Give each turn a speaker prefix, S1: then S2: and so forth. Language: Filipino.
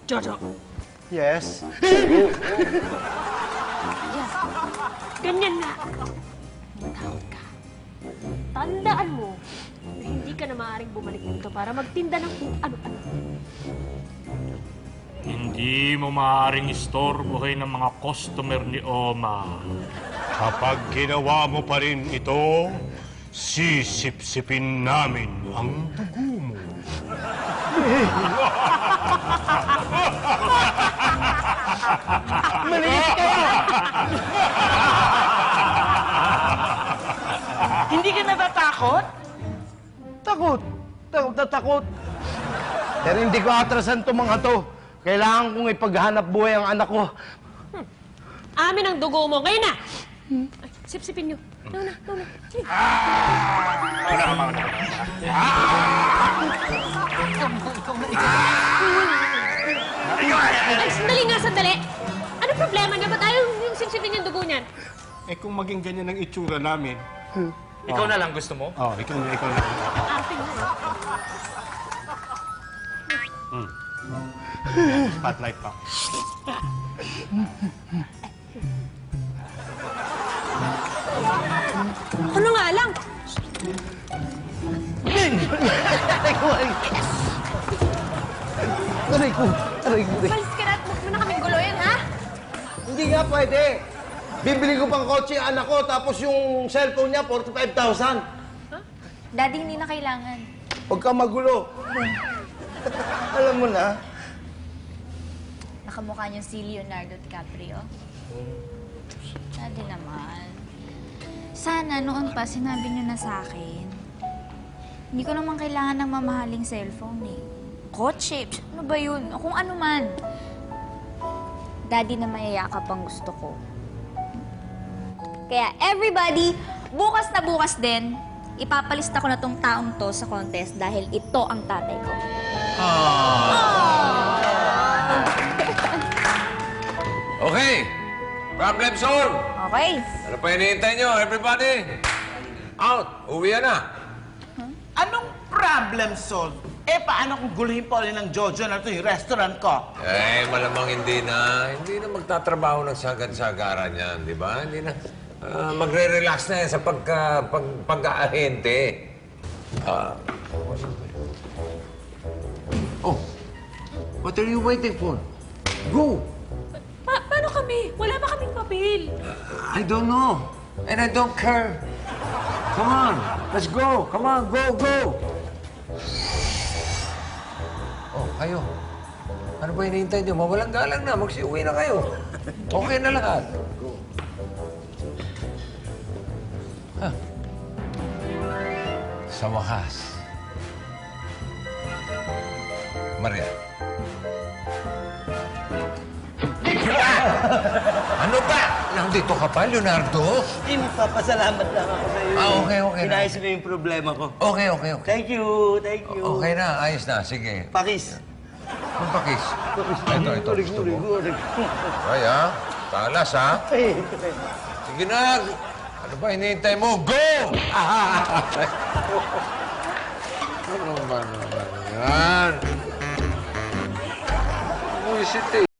S1: Jojo,
S2: Yes?
S1: ganyan na. Matakot ka. Tandaan mo na hindi ka na maaaring bumalik dito para magtinda ng kung ano-ano.
S3: Hindi mo maaaring istorbohin ng mga customer ni Oma.
S4: Kapag ginawa mo pa rin ito, sisip-sipin namin ang dugo mo.
S2: Maliit kayo!
S5: Hindi ka natatakot?
S2: Takot. Takot na takot. Pero hindi ko atrasan itong mga to. Kailangan kong ipaghanap buhay ang anak ko.
S1: Amin ang dugo mo. Ngayon na! Ay, sip-sipin niyo. Nauna. Sige. Ay, sandali. Ano problema niya? Ba't ayaw yung sip-sipin yung dugo niyan?
S4: Eh kung maging ganyan ang itsura namin,
S3: Ikaw na lang gusto mo?
S4: ikaw na.
S1: Arte mo.
S4: Spotlight pa.
S1: Ano nga lang?
S2: Aray ko.
S1: Balis ka na at huwag mo na kaming guluhin, ha?
S2: Hindi nga pwede. Bibili ko pang kotse ang anak ko, tapos yung cellphone niya, 45,000.
S6: Daddy, hindi na kailangan.
S2: Huwag kang magulo. Alam mo na.
S6: Nakamukha niyo si Leonardo DiCaprio. Daddy naman. Sana noon pa sinabi niyo na sa akin. Hindi ko naman kailangan ng mamahaling cellphone eh. Kotse, ano ba yun? O kung ano man. Daddy na mayayakap ang gusto ko. Kaya everybody, bukas na bukas din, ipapalista ko na tong taong to sa contest dahil ito ang tatay ko.
S7: Okay. Problem solved.
S6: Okay.
S7: Ano pa hinihintay nyo, everybody? Out. Uwi na.
S5: Anong problem solved? Eh, paano kung guluhin pa ulit ng Jojo na ito yung restaurant ko?
S7: Eh, malamang hindi na magtatrabaho ng sagad-sagaran yan, di ba? Hindi na. Magre-relax na yan sa pag-aahente. Oh, what are you waiting for? Go!
S1: Paano kami? Wala pa kaming papel.
S7: I don't know. And I don't care. Come on, let's go. Come on, go. Oh, kayo. Ano ba hinihintay niyo? Mawalang galang na. Magsiuwi na kayo. Okay na lahat. Huh. Sa wakas. Maria. Ano ba? Nandito ka pa, Leonardo?
S2: Papasalamat lang ako sa iyo.
S7: Okay na.
S2: Inayos mo yung problema ko.
S7: Okay.
S2: Thank you.
S7: Okay na, ayos na. Sige.
S2: Pakis.
S7: Kung pakis. Ito. Gusto mo? Ay, ha? Talas, ha? Sige na. Ano ba hinihintay mo? Go! Ano ba naman yan? Buisit eh.